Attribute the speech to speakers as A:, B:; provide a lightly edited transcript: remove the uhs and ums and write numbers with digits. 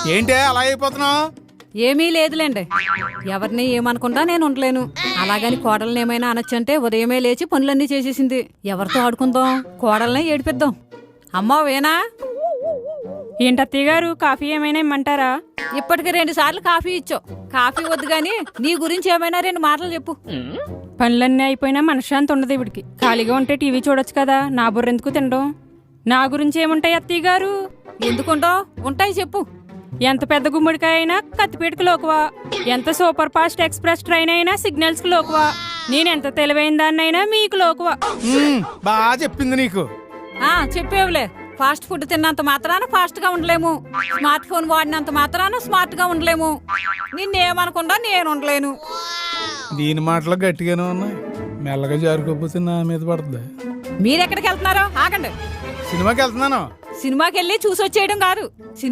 A: ఏంటే అలా అయిపోతున్నావు?
B: ఏమీ లేదులేండి. ఎవరిని ఏమనుకుంటా నేను ఉండలేను. అలాగని కోడల్ని ఏమైనా అనొచ్చంటే ఉదయమే లేచి పనులన్నీ చేసేసింది. ఎవరితో ఆడుకుందాం? కోడల్నే ఏడిపిద్దాం. అమ్మా వేనా?
C: ఏంటత్తయ్య గారు, కాఫీ ఏమైనా ఇమ్మంటారా?
B: ఇప్పటికి 2 సార్లు కాఫీ ఇచ్చావు. కాఫీ వద్దు గాని నీ గురించి ఏమైనా 2 మాటలు చెప్పు.
C: పనులన్నీ అయిపోయినా మనశ్శాంతి ఉండదు ఇవిడికి. ఖాళీగా ఉంటే టీవీ చూడొచ్చు కదా, నా బుర్రెందుకు తినడం? నా గురించి ఏముంటాయి అత్తయ్య గారు?
B: ఎందుకుంటావు? ఉంటాయి చెప్పు.
C: ఎంత పెద్ద గుమ్మడికాయ అయినా కత్తిపీటకు లోకువా, ఎంత సూపర్ ఫాస్ట్ ఎక్స్ప్రెస్ ట్రైన్ అయినా సిగ్నల్స్ కు లోకువా, నేనెంత తెలివైన దాన్నైనా మీకు లోకువా.
A: బాగా చెప్పింది నీకు.
B: చెప్పేవులే. ఫాస్ట్ ఫుడ్ తిన్నంత మాత్రాన ఫాస్ట్ గా ఉండలేము. స్మార్ట్ ఫోన్ వాడినంత మాత్రాన స్మార్ట్ గా ఉండలేము. నిన్నేమనుకుంటా నేను ఉండలేను.
A: దీని మాటలు గట్టిగానే ఉన్నాయి. మెల్లగా జారుకోపోతే నా మీద పడుతుంది.
B: మీరెక్కడికి వెళ్తున్నారో ఆగండి.
A: సినిమాకి వెళ్తున్నాను.
B: సినిమాకి వెళ్ళి చూసొచ్చేయడం కాదు.